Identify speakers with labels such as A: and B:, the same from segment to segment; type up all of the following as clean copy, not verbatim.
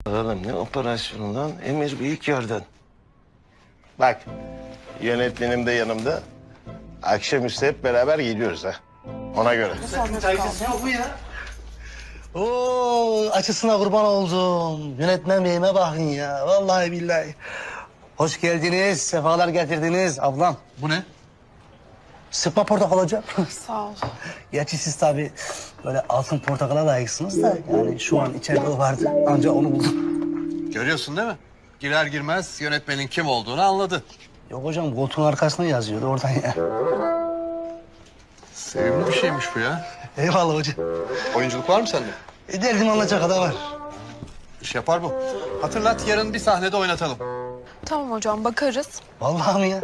A: Oğlum ne operasyonu lan? Emir bir ilk yerden. Bak yönetmenim de yanımda. Akşamüstü hep beraber geliyoruz ha. Ona göre.
B: Oo, açısına kurban oldum. Yönetmen beyime bakın ya. Vallahi billahi. Hoş geldiniz, sefalar getirdiniz ablam.
C: Bu ne?
B: Sıkma portakal hocam.
D: Sağ ol.
B: Gerçi siz tabii böyle altın portakala layıksınız da... ...yani şu an içeride o vardı. Ancak onu buldum.
C: Görüyorsun değil mi? Girer girmez yönetmenin kim olduğunu anladı.
B: Yok hocam, koltuğun arkasında yazıyordu oradan ya.
C: Sevimli bir şeymiş bu ya.
B: Eyvallah hocam.
C: Oyunculuk var mı sende?
B: Derdim anlayacak kadar var.
C: İş yapar bu. Hatırlat, yarın bir sahnede oynatalım.
D: Tamam hocam, bakarız.
B: Vallahi mi ya?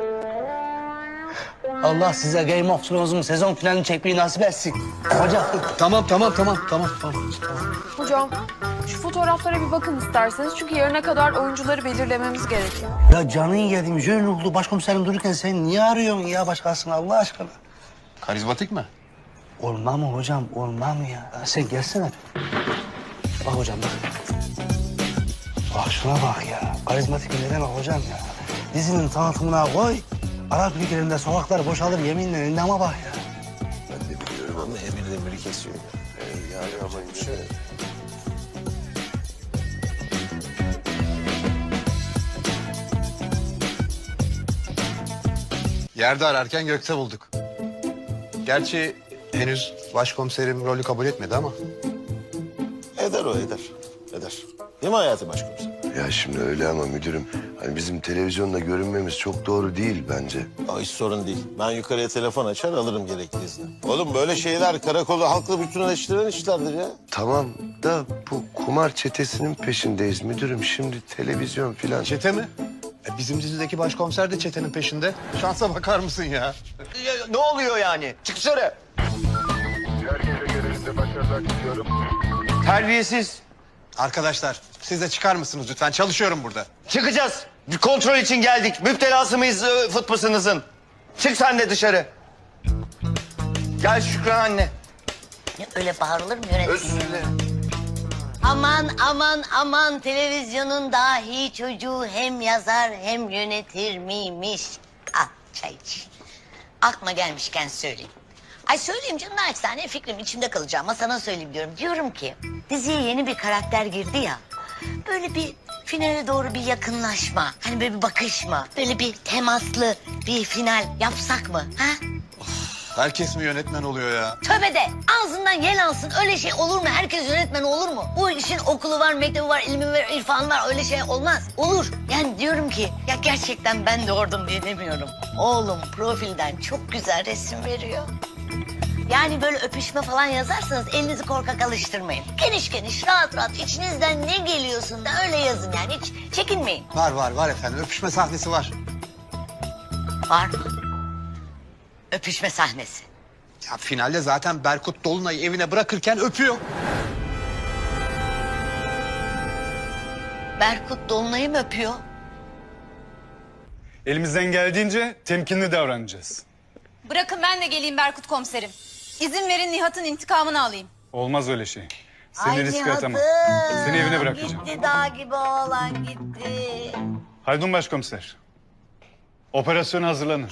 B: Allah size Game of Thrones'un sezon finalini çekmeyi nasip etsin. Hocam.
C: Tamam.
D: Hocam, şu fotoğraflara bir bakın isterseniz. Çünkü yarına kadar oyuncuları belirlememiz gerekiyor.
B: Ya canın yedim, jön ruhlu başkomiserim dururken sen niye arıyorsun ya başkasını Allah aşkına?
C: Karizmatik mi?
B: Olmam mı hocam, olmam mı ya? Sen gelsene. Bak hocam bak. Bak şuna bak ya. Karizmatik bir neden bak hocam ya. Dizinin tanıtımına koy. Arap ülkelerinde sokaklar boşalır yeminle endama bak ya.
A: Ben de biliyorum ama Emir demiri kesiyor. Yani ama şöyle.
C: Yerde ararken gökte bulduk. Gerçi henüz başkomiserim rolü kabul etmedi ama.
A: Eder o eder. Eder. Değil mi hayatım başkomiser?
E: Ya şimdi öyle ama müdürüm, hani bizim televizyonda görünmemiz çok doğru değil bence.
A: O hiç sorun değil. Ben yukarıya telefon açar alırım gerekli izni. Oğlum böyle şeyler karakolda halkla bütünleştiren işlerdir ya.
E: Tamam da bu kumar çetesinin peşindeyiz müdürüm. Şimdi televizyon filan.
C: Çete mi? Bizim dizideki başkomiser de çetenin peşinde. Şansa bakar mısın ya?
F: Ne oluyor yani? Çık dışarı. Terbiyesiz.
C: Arkadaşlar siz de çıkar mısınız lütfen? Çalışıyorum burada.
F: Çıkacağız. Bir kontrol için geldik. Müptelası mıyız futbasınızın? Çık sen de dışarı. Gel Şükran anne.
G: Ya öyle bağırılır mı yönetmen?
F: Özür dilerim.
G: Aman televizyonun dahi çocuğu hem yazar hem yönetir miymiş? Al çay iç. Aklıma gelmişken söyleyeyim. Ay söyleyeyim canım, naçizane fikrim içimde kalacak ama sana söyleyeyim diyorum. Diyorum ki diziye yeni bir karakter girdi ya. Böyle bir finale doğru bir yakınlaşma. Hani böyle bir bakışma. Böyle bir temaslı bir final yapsak mı? Ha?
C: Herkes mi yönetmen oluyor ya?
G: Tövbe de ağzından yel alsın. Öyle şey olur mu? Herkes yönetmen olur mu? Bu işin okulu var, mektebi var, ilmi var, irfanı var. Öyle şey olmaz. Olur. Yani diyorum ki ya gerçekten ben doğurdum diye demiyorum. Oğlum profilden çok güzel resim veriyor. Yani böyle öpüşme falan yazarsanız elinizi korkak alıştırmayın. Geniş geniş, rahat rahat içinizden ne geliyorsun da öyle yazın yani. Hiç çekinmeyin.
C: Var efendim. Öpüşme sahnesi var.
G: Var mı? Öpüşme sahnesi.
C: Ya finalde zaten Berkut Dolunay'ı evine bırakırken öpüyor.
G: Berkut Dolunay'ı mı öpüyor?
H: Elimizden geldiğince temkinli davranacağız.
I: Bırakın ben de geleyim Berkut komiserim. İzin verin Nihat'ın intikamını alayım.
H: Olmaz öyle şey. Seni
G: Ay
H: riske
G: Nihat'ım,
H: atamam. Seni evine bırakacağım.
G: Gitti dağ gibi oğlan gitti.
H: Haldun Başkomiser. Operasyona hazırlanın.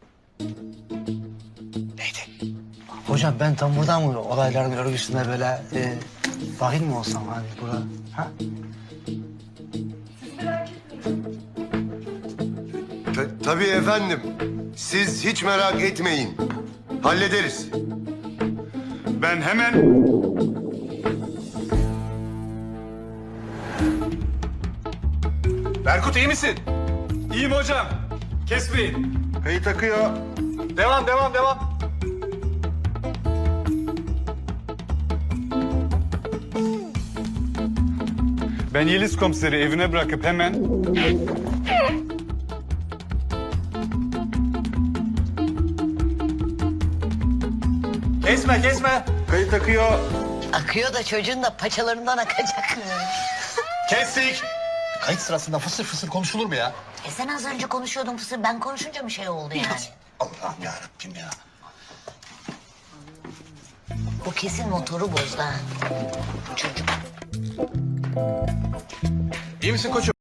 B: Hocam ben tam buradan mı olayların örgüsüne böyle dahil mi olsam hani bura? Ha?
E: Tabii efendim. Siz hiç merak etmeyin. Hallederiz.
H: Ben hemen... Berkut iyi misin? İyiyim hocam. Kesmeyin.
E: Kayıt akıyor.
H: Devam. Ben Yeliz komiseri evine bırakıp hemen... Kesme.
E: Kayıt akıyor.
G: Akıyor da çocuğun da paçalarından akacak.
H: Kestik.
C: Kayıt sırasında fısır fısır konuşulur mu ya?
G: Sen az önce konuşuyordun Fısır. Ben konuşunca mı şey oldu yani?
C: Allah'ım yarabbim ya.
G: Bu kesin motoru bozdu ha. Bu çocuk.
C: İyi misin koçum?